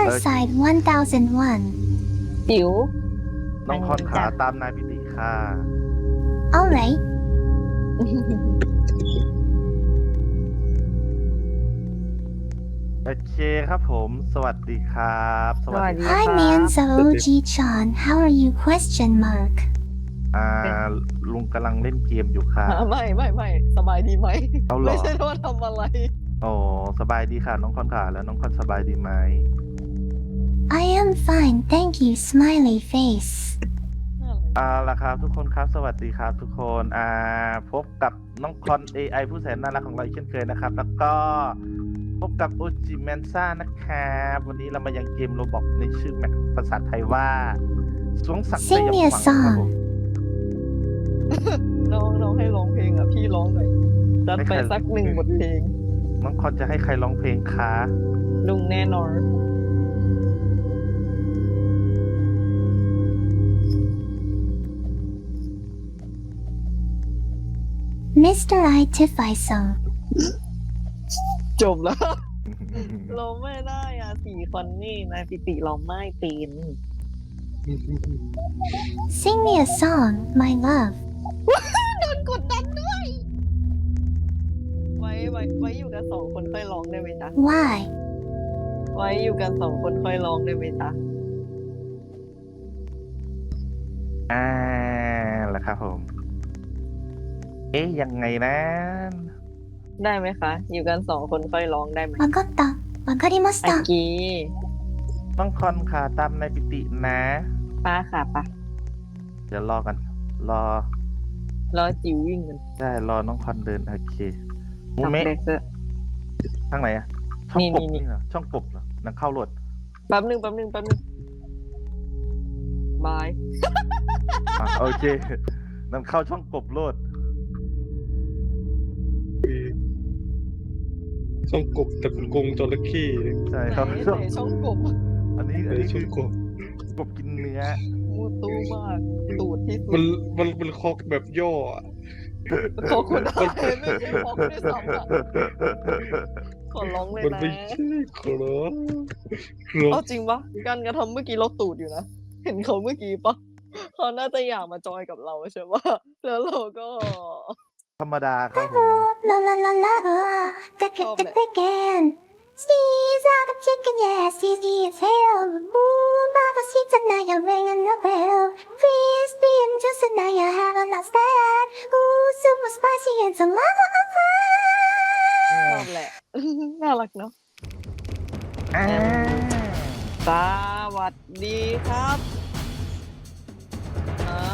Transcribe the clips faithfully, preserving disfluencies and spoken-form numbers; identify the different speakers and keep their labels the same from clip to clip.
Speaker 1: Riverside one thousand one
Speaker 2: จิ๋ว
Speaker 3: น้องคอนขาตามนายปิติค่ะ
Speaker 1: Alright
Speaker 3: โอเคครับผม สวัสดีครับ
Speaker 2: สวัสดี
Speaker 1: Hi
Speaker 2: ค่ะ
Speaker 1: Manzo Oji-chan How are you question mark
Speaker 3: อ่าลุงกำลังเล่นเกมอยู่ค่ะ
Speaker 2: ไม่ไม่ไม่สบายดีไหม
Speaker 3: เอาเหรอ
Speaker 2: ไม่ใช่ว่าทำอะไร
Speaker 3: โอ้สบายดีค่ะ น้องคอนขาแล้วน้องคอนสบายดีไหม
Speaker 1: I am fine thank you smiley face
Speaker 3: อ่าล่ะครับทุกคนครับสวัสดีครับทุกคนอ่าพบกับน้องคอน เอ ไอ ผู้แสนน่ารักของเราอีกเช่นเคยนะครับ แล้วก็พบกับโอจิแมนซ่านะครับวันนี้เรามายังเกมโรบอกในชื่อแมปภาษาไทยว่าสวงศักดิ์ส
Speaker 1: Sing
Speaker 3: ย
Speaker 1: me
Speaker 3: อง
Speaker 1: a
Speaker 3: ขวังครับผม
Speaker 1: song
Speaker 2: น้องน้องให้ร้องเพลงอ่ะ พี่ร้องหน่อยจัดไปสักหนึ่งบทเพลง
Speaker 3: น้องคอนจะให้ใครร้องเพลงคะ
Speaker 2: ลุงแน่นอน
Speaker 1: มิสเตอร์ I Tiffy song
Speaker 2: จบแล้ว เราไม่ได้อ่ะสี่คนนี่นายปิติเราไม่เป็น
Speaker 1: Sing me a song my love
Speaker 2: โดนกดดันด้วย ไว้ไว้ไว้อยู่กันสองคนค่อยร้องได้ไหมจ๊ะ
Speaker 1: Why
Speaker 2: ไว้อยู่กันสองคนค่อยร้องได้ไหมจ๊ะ
Speaker 3: อ่าแล้วครับผม เอ๊ยยังไงนะ
Speaker 2: ได้ไหมคะ อยู่กันสองคนค่อยร้องได้ไหม
Speaker 1: わかったわかりまし
Speaker 2: อา
Speaker 1: た
Speaker 2: กี
Speaker 3: น้องคอนขาตามนายปิตินะ
Speaker 2: ป้าค่ะป้า
Speaker 3: เดี๋ยวรอกัน รอ
Speaker 2: รอจิ๋ววิ่งกัน
Speaker 3: ได้รอน้องคอนเดินโอเคมู
Speaker 2: ทำ
Speaker 3: เมะ
Speaker 2: เด็กเซอร์
Speaker 3: ทางไหนอะช่อง
Speaker 2: นี่
Speaker 3: กบ
Speaker 2: นี่
Speaker 3: นี่เหรอช่องกบเหรอนังเข้าโหลด
Speaker 2: แป๊บหนึ่งแป๊บหนึ่งแป๊บหนึ่งบาย
Speaker 3: อ่ะโอเคนังเข้าช่องกบโหลด
Speaker 4: ช่องกบแต่เป็นกรงจระเข้
Speaker 3: ใช่
Speaker 2: ไหน
Speaker 3: ครับ
Speaker 2: ไหนช่องกบ
Speaker 3: อันนี้อัน
Speaker 4: ใน
Speaker 3: นี้
Speaker 4: ช่
Speaker 3: คือ อง
Speaker 4: กบ
Speaker 3: กบกินเนื้อ
Speaker 2: มูตู้มาก ตูดที่สุ
Speaker 4: มัน
Speaker 2: ด
Speaker 4: มันเป็นคอกแบบย่ออะ
Speaker 2: ขอคนได้ไม่ใช่พอกด้วยซ้ำอ่ะขอร้องเลย
Speaker 4: มัน
Speaker 2: นะ
Speaker 4: ไม่ใช่ครับครั
Speaker 2: เอา
Speaker 4: บ
Speaker 2: จริงปะการกระทำเมื่อกี้เราตูดอยู่นะ เห็นเขาเมื่อกี้ปะเขาน่าจะอยากมาจอยกับเราใช่ปะแล้วเราก็
Speaker 3: ธรรมดาครับผม
Speaker 1: La la la la Take it take it again Sneeze out of chicken yeah Sneeze his hair Moon Baba sheets and now you're ringing the bell Please be just and now you haven't lost that Ooh super spicy and some lava
Speaker 2: ชอบแหละ น่ารักเนาะ
Speaker 3: อ่า
Speaker 2: สวัสดีครับอ่า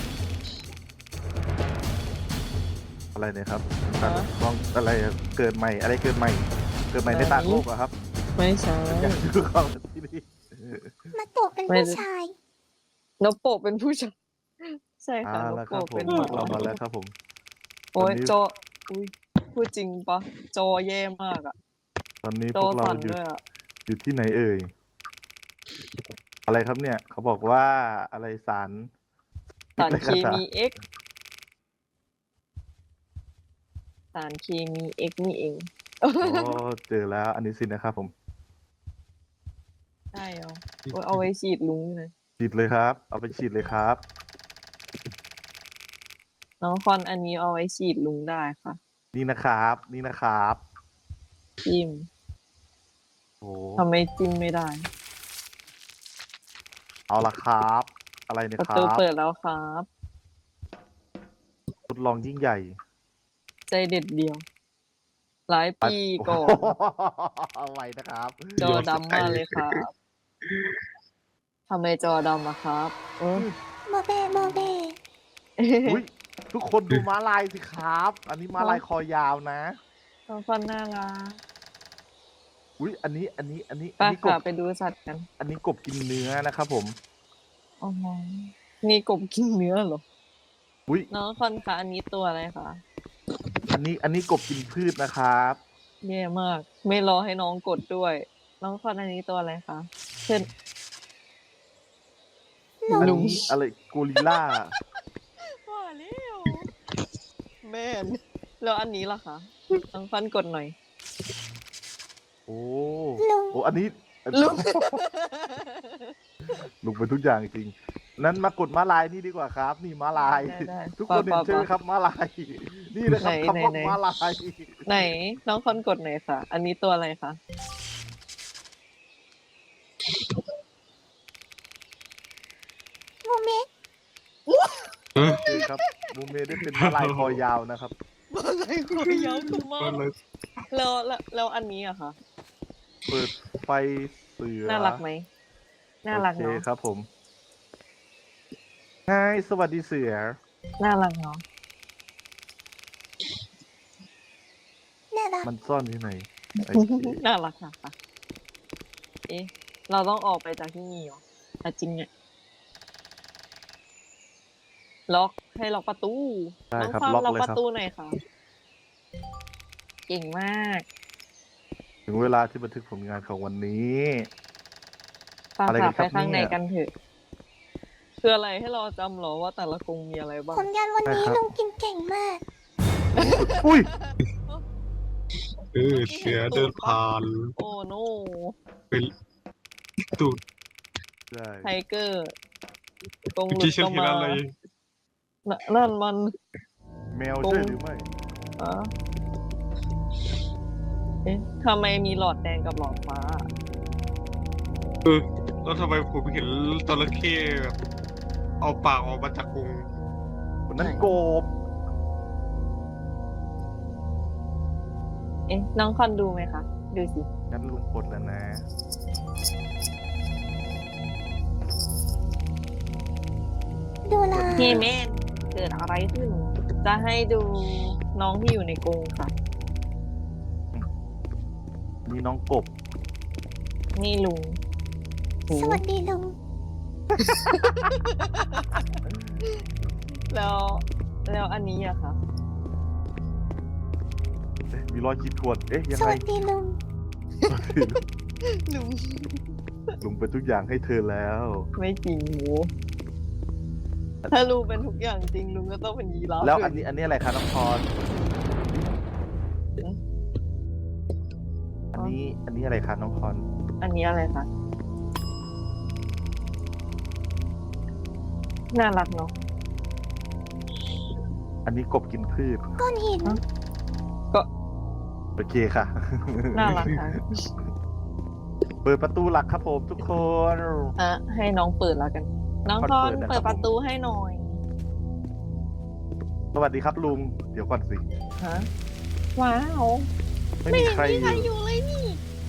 Speaker 3: อะไรเนี่ยครับ
Speaker 2: ฮะ
Speaker 3: ลองอะไรอะเกิดใหม่อะไรเกิดใหม่ เกิดใหม่ในต่างโลกเหรอครับ
Speaker 2: ไม่ใช่
Speaker 3: อยากดูเข้าที่นี่
Speaker 1: มาตกเป็นผู้ชาย
Speaker 2: นกโปะเป็นผู้ชายใช่ค่ะ
Speaker 3: อ่าน
Speaker 2: ก
Speaker 3: แล้วครับ
Speaker 2: โปะ
Speaker 3: ผ
Speaker 2: เป็น
Speaker 3: ม
Speaker 2: หมา
Speaker 3: เรามาแล้วครับผม
Speaker 2: โอ้ย
Speaker 3: ตอนนี้
Speaker 2: จออุ้ยพูดจริงปะจอแย่มากอะ
Speaker 3: ตอนนี้
Speaker 2: จ
Speaker 3: พ
Speaker 2: อ
Speaker 3: วกเรา
Speaker 2: สั่น
Speaker 3: อยู่
Speaker 2: ด้วยอะ
Speaker 3: อยู่ที่ไหนเอ่ย อะไรครับเนี่ย เขาบอกว่าอะไรสาร
Speaker 2: สารเคมี X สารเคมี X นี่เอง
Speaker 3: โอ้เจอแล้ว อันนี้สินะครับผม
Speaker 2: ใช่เหรอโอ้ยเอาไว้ฉีดลุงเลย
Speaker 3: ฉีดเลยครับ เอาไปฉีดเลยครับ
Speaker 2: น้องคอนอันนี้เอาไว้ฉีดลุงได้ค่ะ
Speaker 3: นี่นะครับ นี่นะครับ
Speaker 2: จิ้ม
Speaker 3: โอ้
Speaker 2: ทำไมจิ้มไม่ได้
Speaker 3: เอาละครับ อะไรเนี่ย
Speaker 2: ประ
Speaker 3: ครั
Speaker 2: ตู
Speaker 3: บ
Speaker 2: เปิดแล้วครับ
Speaker 3: ทดลองยิ่งใหญ่
Speaker 2: ใจเด็ดเดียว หลายปีก่อน
Speaker 3: เอาไว้นะครับ
Speaker 2: จอดำมากเลยครับทำไมจอดำอะครับเออ
Speaker 1: โมเบโมเบ
Speaker 3: อุ้ยทุกคนดูม้าลายสิครับ อันนี้ม้าลายคอยาวนะ
Speaker 2: น้องฟันน่ารัก
Speaker 3: อุ้ยอันนี้ อันนี้ อันนี้
Speaker 2: ไป
Speaker 3: อันนี้ก
Speaker 2: ค่ะ
Speaker 3: บ
Speaker 2: ไปดูสัตว์กัน
Speaker 3: อันนี้กบกินเนื้อนะครับผม
Speaker 2: อ๋อนี่กบกินเนื้อเหรอ
Speaker 3: อุ้ย
Speaker 2: น้องคอนคะอันนี้ตัวอะไรคะ
Speaker 3: อันนี้ อันนี้กบกินพืชนะครับ
Speaker 2: แย่มาก ไม่รอให้น้องกดด้วย น้องคอนอันนี้ตัวอะไรคะเช่น
Speaker 3: อัน
Speaker 2: ลุง
Speaker 3: นี้อะไรโกริลล่า
Speaker 2: ว่าแล้วแม่นแล้วอันนี้ล่ะคะน้องฟันกดหน่อย
Speaker 3: โอ้
Speaker 1: ลุง
Speaker 3: โอ้ อันนี้
Speaker 2: ลุง
Speaker 3: ลุงเป็นทุกอย่างจริงนั้นมากดม้าลายนี่ดีกว่าครับ นี่ม้าลาย
Speaker 2: ได้ได้
Speaker 3: ทุกคนเห็นใช่ไหมครับม้าลาย นี่นะครับ
Speaker 2: ไหน
Speaker 3: คำว่า
Speaker 2: ไหน
Speaker 3: ม้าลาย
Speaker 2: ไหนน้องคอนกดไหนอยคะอันนี้ตัวอะไรคะ
Speaker 1: โมเมะ
Speaker 3: นี่ครับมูเมได้เป็นม้าลายคอยาวนะครับ
Speaker 2: อะไรคอยาวคือมา
Speaker 4: ก็
Speaker 2: ก
Speaker 4: เลย
Speaker 2: แล้วแล้วแล้วอันนี้อะคะ
Speaker 3: เปิดไฟเสือ
Speaker 2: น่ารักไหมน่ารัก
Speaker 3: โอเค
Speaker 2: เนาะ
Speaker 3: ครับผมไงสวัสดีเสือ
Speaker 2: น่ารักเนาะ
Speaker 1: น่ารัก
Speaker 3: มันซ่อนที่ไหนโอเค
Speaker 2: น่ารักค่ะค่ะเอ๊ะเราต้องออกไปจากที่นี่เหรออ่ะจริงเนี่ยล็อกให้ล็อกประตู
Speaker 3: ได้
Speaker 2: น้อง
Speaker 3: ครับ
Speaker 2: ความ
Speaker 3: ล็อก
Speaker 2: ล็อก
Speaker 3: เลย
Speaker 2: ประ
Speaker 3: ครับ
Speaker 2: ตูหน่อยค่ะ เก่งมาก
Speaker 3: ถึงเวลาที่บันทึกผลงานของวันนี้
Speaker 2: ตาม
Speaker 3: อะไรกั
Speaker 2: หาน
Speaker 3: ครั
Speaker 2: ไป
Speaker 3: บ
Speaker 2: ข้างใน
Speaker 3: เนี่ย
Speaker 2: กันเถอะคืออะไรให้เราจำเหรอว่าแต่ละกรงมีอะไรบ้าง
Speaker 1: ผลงานวันนี้
Speaker 3: ได้ครับ
Speaker 1: ลุงกินเก่งมาก
Speaker 3: อุ้ย
Speaker 4: เออเสือเดินผ่าน
Speaker 2: โอ้โน
Speaker 4: เป็นตูด
Speaker 3: ใช่
Speaker 2: ไทเกอร์กรง
Speaker 4: เมื่อ
Speaker 2: หลุ
Speaker 4: กี้
Speaker 2: ด
Speaker 4: ฉัน
Speaker 2: ก็
Speaker 4: เห็น
Speaker 2: มา
Speaker 4: อะไร
Speaker 2: น่ะนั่นมัน
Speaker 3: แมวใช่หรือไม่
Speaker 2: อะเอ๊ะทำไมมีหลอดแดงกับหลอดฟ้า
Speaker 4: เออแล้วทำไมผมเห็นจระเข้แบบเอาปากออกมาจากกรง
Speaker 3: คนนั้น
Speaker 2: ไหน
Speaker 3: โกบ
Speaker 2: เอ๊ะน้องคอนดูไหมคะ ดูสิ
Speaker 3: งั้นลุงกดแล้วนะ
Speaker 1: ดูแล
Speaker 2: พี่เมนเกิดอะไรขึ้น จะให้ดูน้องที่อยู่ในกรงค่ะ
Speaker 3: มีน้องกบ
Speaker 2: นี่ลุงโห
Speaker 1: สวัสดีลุง
Speaker 2: แล้ว แล้วอันนี้อะคะ
Speaker 3: เอ๊ะมีรอยขีดข่วนเอ๊ะ ยัง
Speaker 1: ส
Speaker 3: ไง
Speaker 1: วัสดีลุง
Speaker 2: ลุง
Speaker 3: ลุงเป็นทุกอย่างให้เธอแล้ว
Speaker 2: ไม่จริงโหถ้าลุงเป็นทุกอย่างจริงลุงก็ต้องเป็นยีราฟ
Speaker 3: แล้ว
Speaker 2: ด้วย
Speaker 3: อันนี้อันนี้อะไรคะน้องพร อันนี้ อันนี้อะไรคะน้องพร
Speaker 2: อันนี้อะไรคะ น่ารักเนาะ
Speaker 3: อันนี้กบกินพืช
Speaker 1: ก้อนหิน
Speaker 2: ก็
Speaker 3: โอเคค่ะ
Speaker 2: น่ารักค่ะ
Speaker 3: เปิดประตูหลักครับผมทุกคน
Speaker 2: อ่ะให้น้องเปิดแล้วกัน น้อง
Speaker 3: คอน
Speaker 2: คอน
Speaker 3: เปิดนะครับ
Speaker 2: เปิดประตูให้หน่อย
Speaker 3: สวัสดีครับลุง เดี๋ยวก่อนสิ
Speaker 2: ฮะ ว้าว
Speaker 3: ไม่
Speaker 2: ไม่
Speaker 3: มี
Speaker 2: เห็น
Speaker 3: ใคร
Speaker 2: มี
Speaker 3: อ
Speaker 2: ใคร
Speaker 3: ยู่
Speaker 2: อยู่เลยนี่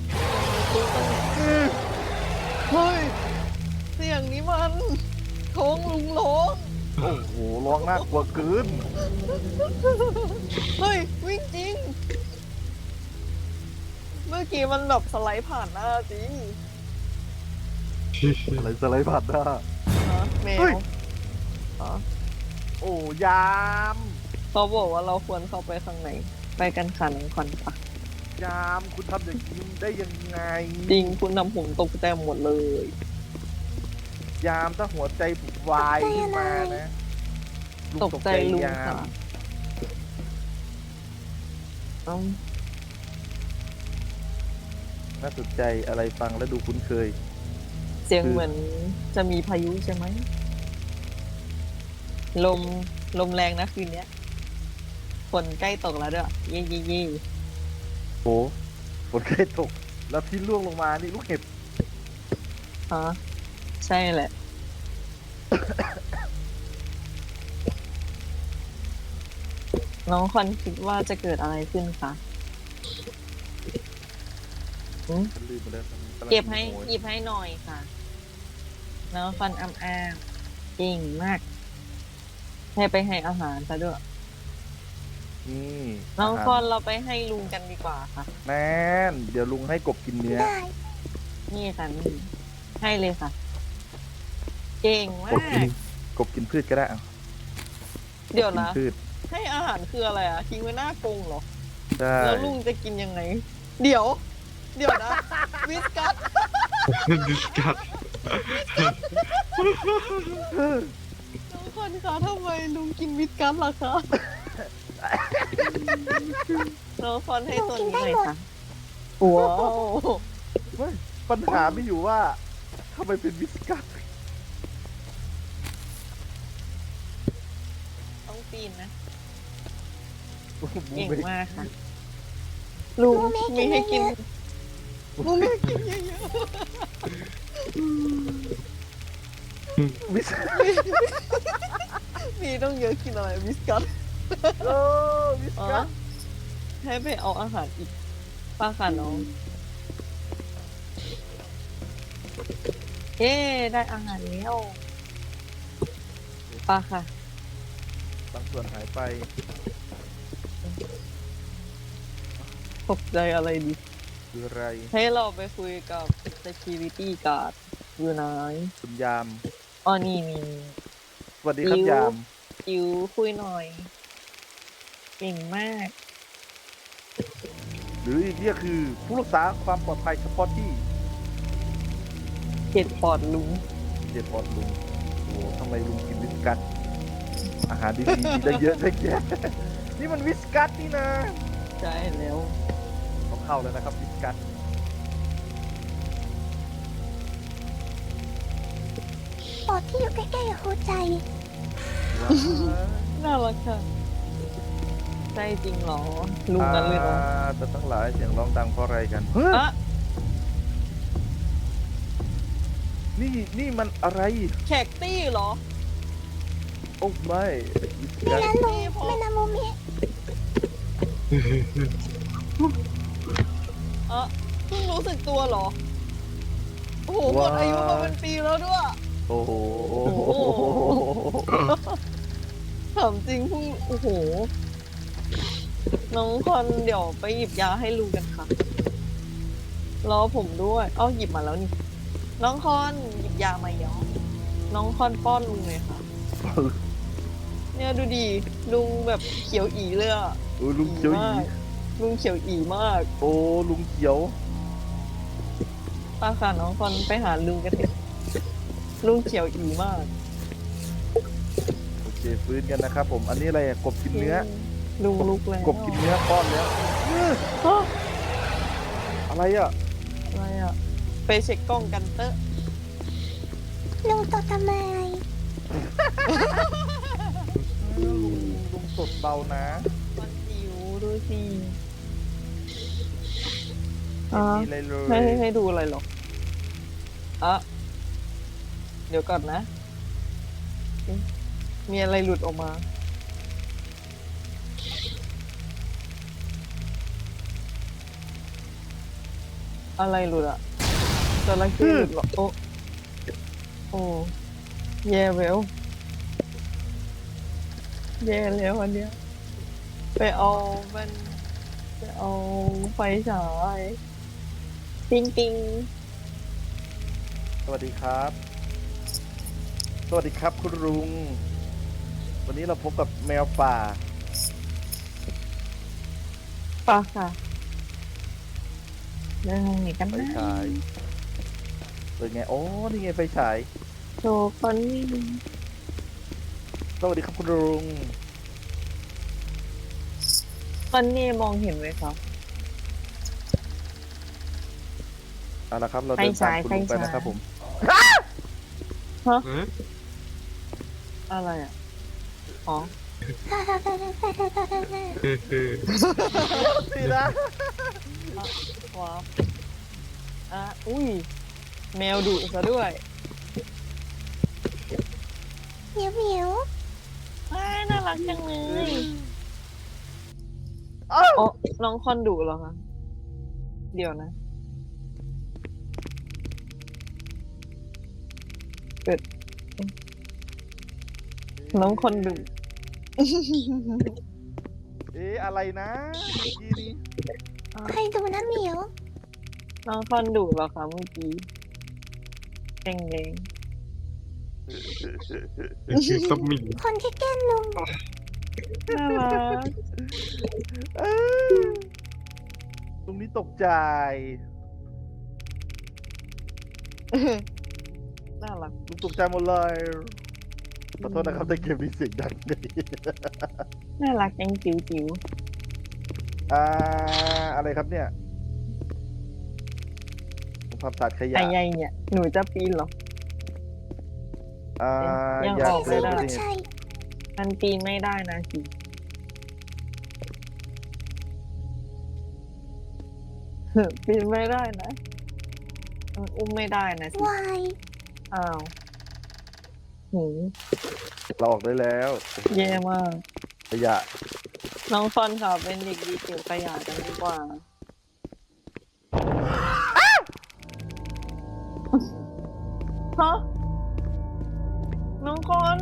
Speaker 2: เฮ้ย เสียงนี้มันโค้งลุงร้อง
Speaker 3: โอ้โหร้องน่ากลัวเกิน
Speaker 2: เฮ้ย วิ่งจริง เมื่อกี้มันแบบสไลด์ผ่านหน้าจริง
Speaker 3: อะไรสไลด์ผ่านหน้า
Speaker 2: ฮะแม
Speaker 3: เฮ้
Speaker 2: วย ฮะ
Speaker 3: โอ้ยาม
Speaker 2: เขาบอกว่าเราควรเข้าไปข้างใน ไปกันค่ะน้องคอนปะ
Speaker 3: ยามคุณทำอย่างนี้ได้ยังไง
Speaker 2: จริงคุณทำผมตกใจหมดเลย
Speaker 3: ยามถ้าหัวใจวายขึ้นมานะลุง
Speaker 2: ตกใจลุง
Speaker 3: ยา
Speaker 2: ค่ะ
Speaker 3: ม
Speaker 2: เอ้า
Speaker 3: น่าสนใจอะไรฟังแล้วดูคุ้นเคย
Speaker 2: เสียง
Speaker 3: คือ
Speaker 2: เหมือนจะมีพายุใช่ไหม ลม ลมแรงนะคืนเนี้ยฝนใกล้ตกแล้วด้วยเย่เย่เย่
Speaker 3: โอ้ฝนใกล้ตก แล้วที่ร่วงลงมานี่ลูกเห็บ
Speaker 2: ฮะใช่แหละ น้องคอนคิดว่าจะเกิดอะไรขึ้นคะหืม
Speaker 3: ฉันลืมไปแล้วกำลัง
Speaker 2: เก็บให้
Speaker 3: โมย
Speaker 2: หยิบให้หน่อยค่ะ น้องคอนอ้ำอ้ามเก่งมาก ให้ไปให้อาหารซะด้วย
Speaker 3: นี่
Speaker 2: น้อง
Speaker 3: าหาร
Speaker 2: คอนเราไปให้ลุงกันดีกว่าค่ะ
Speaker 3: แม่นเดี๋ยวลุงให้กบกินเนื้อ
Speaker 1: ได้
Speaker 2: นี่ค่ะนี่ให้เลยค่ะ เก่งมาก
Speaker 3: บกินกบกินพืชก็ได้อ่ะ
Speaker 2: เดี๋ยว
Speaker 3: กิน
Speaker 2: นะ
Speaker 3: พืช
Speaker 2: ให้อาหารคืออะไรอ่ะทิ้งไว้หน้ากรงเหรอ
Speaker 3: ใช่
Speaker 2: แล้วลุงจะกินยังไง เดี๋ยว เดี๋ยวนะ วิสกัส
Speaker 4: ดิสกัด
Speaker 2: น้องคนคะทำไมลุงกินวิสกัสล่ะคะน้องคอนให้ตัวนี้หน่อยค่ะว้าว
Speaker 3: เฮ้ยเขาปัญหาไม่อยู่ว่าทำไมเป็นวิสกัส
Speaker 2: ต้องปีนนะ
Speaker 3: บู
Speaker 2: เก่ง
Speaker 3: เม
Speaker 2: มากค่ะ ลุงมีให้กินลุงมีให้กินเยอะ
Speaker 3: วิส
Speaker 2: ๆมีต้องเยอะกินอะไรวิสกัส
Speaker 3: โอ้วิส
Speaker 2: อ๋อ
Speaker 3: กัส
Speaker 2: ให้ไปเอาอาหารอีกป้าค่ะน้องเย้ได้อาหารแล้วป้าค่ะ
Speaker 3: บางส่วนหายไป
Speaker 2: ตกใจอะไรดี
Speaker 3: คืออะไร
Speaker 2: ให้เราไปคุยกับ security guard อยู่ไหน
Speaker 3: คุณยาม
Speaker 2: อ๋อนี่นี่
Speaker 3: สวัสดีครับ
Speaker 2: อิ๊ว
Speaker 3: ยาม
Speaker 2: จิ๋วคุยหน่อย เก่งมาก
Speaker 3: หรืออีกเรียกคือผู้รักษาความปลอดภัยเฉพาะที่
Speaker 2: เก็ดปอดลุง
Speaker 3: เจ็บปอดลุงโอ้ทำไมลุงกินวิสกัสอาหารดีๆมีได้เยอะได้แยะ นี่มันวิสกัสนี่นะ
Speaker 2: ใช่แล้ว
Speaker 3: ต้องเข้าแล้วนะครับวิสกัส
Speaker 1: ปอดที่อยู่ใกล้ๆกับหัวใจ
Speaker 3: ว้าว
Speaker 2: น่ารักค่ะใจจริงเหรอ ลุงนั้นเลยเหรอ
Speaker 3: อ่าแต่ทั้งหลายเสียงร้องดังเพราะอะไรกันเฮ้ย
Speaker 2: อะ
Speaker 3: นี่นี่มันอะไร
Speaker 2: แขกตี้เหรอ
Speaker 3: โอ้ไม่วิส
Speaker 1: ไม่
Speaker 3: กัส
Speaker 1: นะลุงไม่นะมูมิ
Speaker 2: อะเพิ่งรู้สึกตัวเหรอ โอ้โหหมดอายุมาเป็นปีแล้วด้วย
Speaker 3: โอ้โห
Speaker 2: ถามจริงเพิ่งโอ้โห น้องคอนเดี๋ยวไปหยิบยาให้ลุงกันค่ะ รอผมด้วยเอ้าหยิบมาแล้วนี่ น้องคอนหยิบยามาย้อน้องคอนป้อนลุงเลยค่ะ เนี่ยดูดีลุงแบบเขียวอีเลยอะ
Speaker 3: โอ้ลุงเขียวอี
Speaker 2: มากลุงเขียวอีมาก
Speaker 3: โอ้ลุงเขียว
Speaker 2: ป้าค่ะน้องคอนไปหาลุงกันเถอะลุงเขียวอีมาก
Speaker 3: โอเคฟื้นกันนะครับผมอันนี้อะไรอะกบกินเนื้อ
Speaker 2: ลุงลุกแล้ว
Speaker 3: กบกินเนื้อป้อนแล้วอื้อ
Speaker 2: ฮะ
Speaker 3: อะไรอ่ะ
Speaker 2: อะไรอะไปเช็คกล้องกันเตอะ
Speaker 1: ลุงตดทำไม
Speaker 3: ลุงลุงสดเบานะ
Speaker 2: มันหิวดูสิ
Speaker 3: ไม่
Speaker 2: อ่า
Speaker 3: มีอะไรเล
Speaker 2: ให้
Speaker 3: ย
Speaker 2: ให้ให้ดูอะไรหรออ่ะเดี๋ยวก่อนนะเอ๊ะมีอะไรหลุดออกมา อะไรหลุดอะจระเข้หลุดเหรอโอ้โอ้แย่แล้วแย่แล้วอันเนี้ยไปเอามันไปเอาไฟฉายปิ๊งปิ๊ง
Speaker 3: สวัสดีครับ สวัสดีครับคุณลุง วันนี้เราพบกับแมวป่า
Speaker 2: ป่ะค่ะเดินทางไหนกัน
Speaker 3: ไฟ
Speaker 2: นะ
Speaker 3: ฉายเปิดไงโอ้นี่ไงไฟฉาย
Speaker 2: โชว์คนนี้
Speaker 3: สวัสดีครับคุณลุง
Speaker 2: คนนี้มองเห็นไหมครับ
Speaker 3: เอาละครับเราเดินตามคุณลุงไปนะครับผม
Speaker 4: เออ
Speaker 2: อะไรอ่ะ อ๋อ
Speaker 4: เออเออ
Speaker 3: สินะ
Speaker 2: ว้าวอ่ะ อุ้ย แมวดุซะด้วย
Speaker 1: เหมียวเหมียว
Speaker 2: ว้ายน่ารักจังเลย
Speaker 3: อ้าว
Speaker 2: อ๋อ น้องคอนดุเหรอคะ เดี๋ยวนะ เกิด น้องคอนดุ
Speaker 3: เอ๊ะอะไรนะเมื่อกี้นี้
Speaker 1: ใครดูนะเหมียว
Speaker 2: น้องคอนดุเหรอคะเมื่อกี้แดงแดง
Speaker 4: สมิง
Speaker 1: คนที่แกล้งลุง
Speaker 2: ๆน่ารัก
Speaker 3: เอ้ยตรงนี้ตกใจ
Speaker 2: น่ารัก
Speaker 3: ลุงตกใจหมดเลยขอโทษนะครับแต่เกมนี้เสียงดังเลย
Speaker 2: น่ารักจังจิ๋วจิ๋ว
Speaker 3: อ่าอะไรครับเนี่ย สงความสะอาดขยะ
Speaker 2: ไอ้ใหญ่เนี่ย หนูจะปีนเหรอ
Speaker 3: อ่า
Speaker 2: ยัง
Speaker 3: อยาก
Speaker 2: ออก
Speaker 3: เป็
Speaker 2: ไม่
Speaker 3: น
Speaker 2: ได้
Speaker 3: นี่
Speaker 1: ใช่
Speaker 2: มันปีนไม่ได้นะสิปีนไม่ได้นะมันอุ้มไม่ได้นะสิ
Speaker 1: วาย
Speaker 2: อ้าวหู
Speaker 3: เราออกได้แล้ว
Speaker 2: แย่มาก
Speaker 3: ขยะ
Speaker 2: น้องฟอนค่ะเป็นเด็กดีเก็บขยะกันดีกว่า ฮะ น้องคอน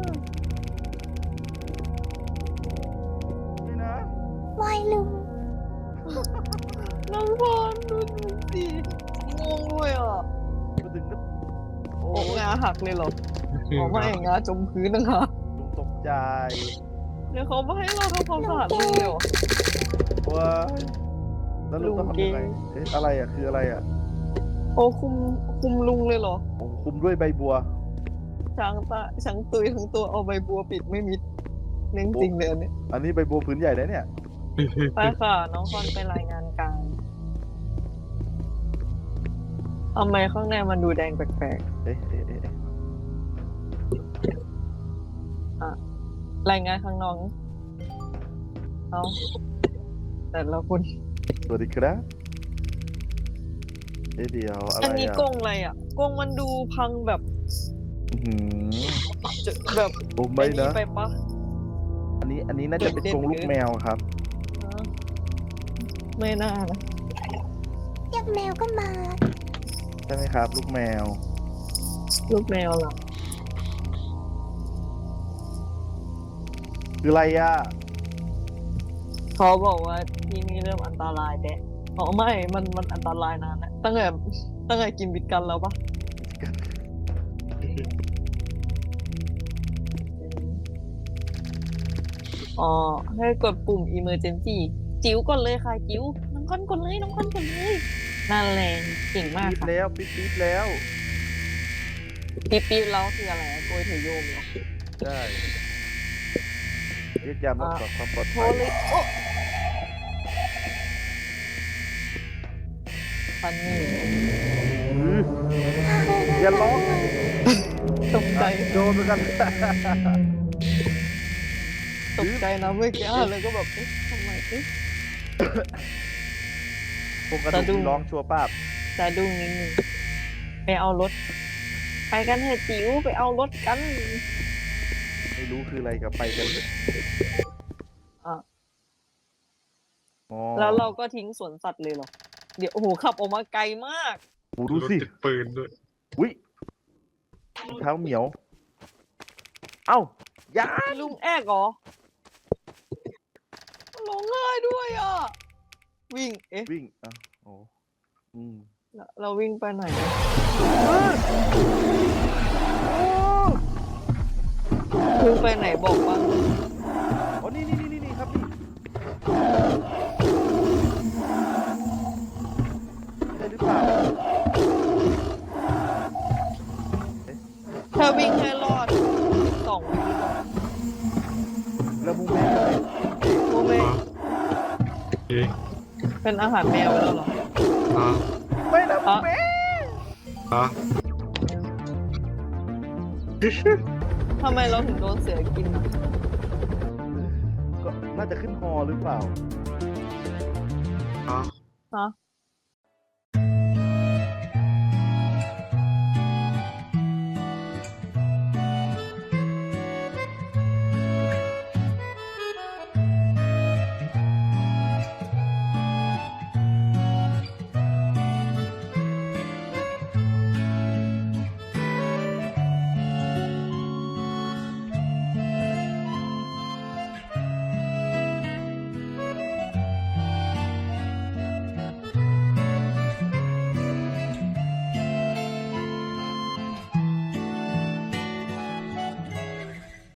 Speaker 3: นี่นะ
Speaker 1: วายลุง
Speaker 2: น้องฟอนดูดูสิงงเลยอ่ะ
Speaker 3: มาถึงก็โอ้
Speaker 2: โอ้
Speaker 3: ย
Speaker 2: งาหักเลยเหรออ๋อไม่งาจมพื้นนะคะ
Speaker 3: ลุงตกใจ
Speaker 2: เดี๋ยวเขามาให้เราทำความสะอาดลุงเลยเหรอ
Speaker 3: ว้ายแล้วลุงต้อง
Speaker 2: ลุง
Speaker 3: ทำยังไง
Speaker 2: เก่ง
Speaker 3: เอ๊ะอะไรอ่ะคืออะไรอ่ะ
Speaker 2: โอ้คุมคุมลุงเลยเหรอ
Speaker 3: โอ้คุมด้วยใบบัว
Speaker 2: ช้างตาช้างตุยทั้งตัวเอาใบบัวปิดไม่มิดเรื่องจริงเลยอันเนี่ย
Speaker 3: อันนี้ใบบัวผืนใหญ่นะเนี่ย
Speaker 2: ไปค่ะ น้องคอนไปรายงานการทำไมข้างในมันดูแดงแปลก
Speaker 3: เอ๊ะเอ๊ะเอ๊ะเอ๊ะ
Speaker 2: ๆรายงานข้างนอกนี่เอาแต่ละคน
Speaker 3: สวัสดีครับเอ๊ะเดี๋ยวอะไร
Speaker 2: อันนี้
Speaker 3: อ่ะ
Speaker 2: กรงอะไรอ่ะกรงมันดูพังแบบ
Speaker 3: อื้อหือ
Speaker 2: จะแบบ
Speaker 3: โอ้ไม่
Speaker 2: อ้
Speaker 3: นะ
Speaker 2: ไปปะ
Speaker 3: อันนี้อันนี้น่าจะเป็นกรงลูกแมวครับ
Speaker 2: ฮะไม่น่านะ
Speaker 1: เรียกแมวก็มา
Speaker 3: ใช่ไหมครับ ลูกแมว
Speaker 2: ลูกแมวเหรอ
Speaker 3: คืออะไรอ่ะ
Speaker 2: เขาบอกว่าที่นี่เริ่มอันตรายแดะอ๋อไม่ มันมันอันตรายนานแล้วตั้งแต่ตั้งแต่กินบิดกันแล้วปะอ๋อให้กดปุ่ม emergency จิ๋วกดเลยค่ะ จิ๋วน้องคอนกดเลยน้องคอนกดเลยนั่นแหละเก่งมาก
Speaker 3: ปี๊บ
Speaker 2: ค่ะ
Speaker 3: แล้วปี๊บปี๊บแล้ว
Speaker 2: ปี๊บปี๊บแล้วคืออะไรอะโกยเถยโยมเหรอ
Speaker 3: ใช่เรียกยามรักษาความปลอด
Speaker 2: โท
Speaker 3: ภั
Speaker 2: ร
Speaker 3: ย
Speaker 2: เลยโอ้ฟันนี่
Speaker 3: อื้ออย่าร้อง
Speaker 2: ตกใจ
Speaker 3: โดนเหมือนกัน
Speaker 2: ตกใจนะเมื่อกี้เลยก็แบบเอ๊ะทำไมเอ๊ะ
Speaker 3: ผมกระ
Speaker 2: สะดุ้
Speaker 3: ดูก
Speaker 2: ง
Speaker 3: ร้องชัวร์ป้าบ
Speaker 2: จะดุ้งนิดนึงไปเอารถ ไปกันเถอะจิ๋วไปเอารถกัน
Speaker 3: ไม่รู้คืออะไรกับไปกันเลย
Speaker 2: อ่ะ
Speaker 3: อ๋อ
Speaker 2: แล้วเราก็ทิ้งสวนสัตว์เลยเหรอ เดี๋ยวโอ้โหขับออกมาไกลมาก
Speaker 3: โอ้ดูสิ
Speaker 4: รถติดปืนด้วย
Speaker 3: อุ้ยรองเท้าเหมียว เอ้าอย่า
Speaker 2: ลุงแอกเหรอร้องไห้ด้วยอ่ะ วิ่ง เอ๊ะ
Speaker 3: วิ่งอ่ะโอ้อืม
Speaker 2: เราเราวิ่งไปไหนอะวิ่งไปไหนบอกบ้าง
Speaker 3: อ๋อนี่นี่นี่นี่ครับนี่ใช่หรือเปล่า
Speaker 2: ถ้าวิ่งให้รอดสองวิ
Speaker 3: แล้วมูแม่เลย
Speaker 2: โมเม
Speaker 4: อ่ะเอ๊ะ
Speaker 2: เป็นอาหารแมวไปแล้วเหรอ
Speaker 4: อ่ะ
Speaker 3: ไม่นะมู
Speaker 2: อ่ะ
Speaker 3: แม่
Speaker 4: อ่ะ
Speaker 2: ทำไมเราถึงโดนเสือกินนะ
Speaker 3: ก็น่าจะขึ้นฮอหรือเปล่า
Speaker 4: อ่ะ
Speaker 2: ฮะ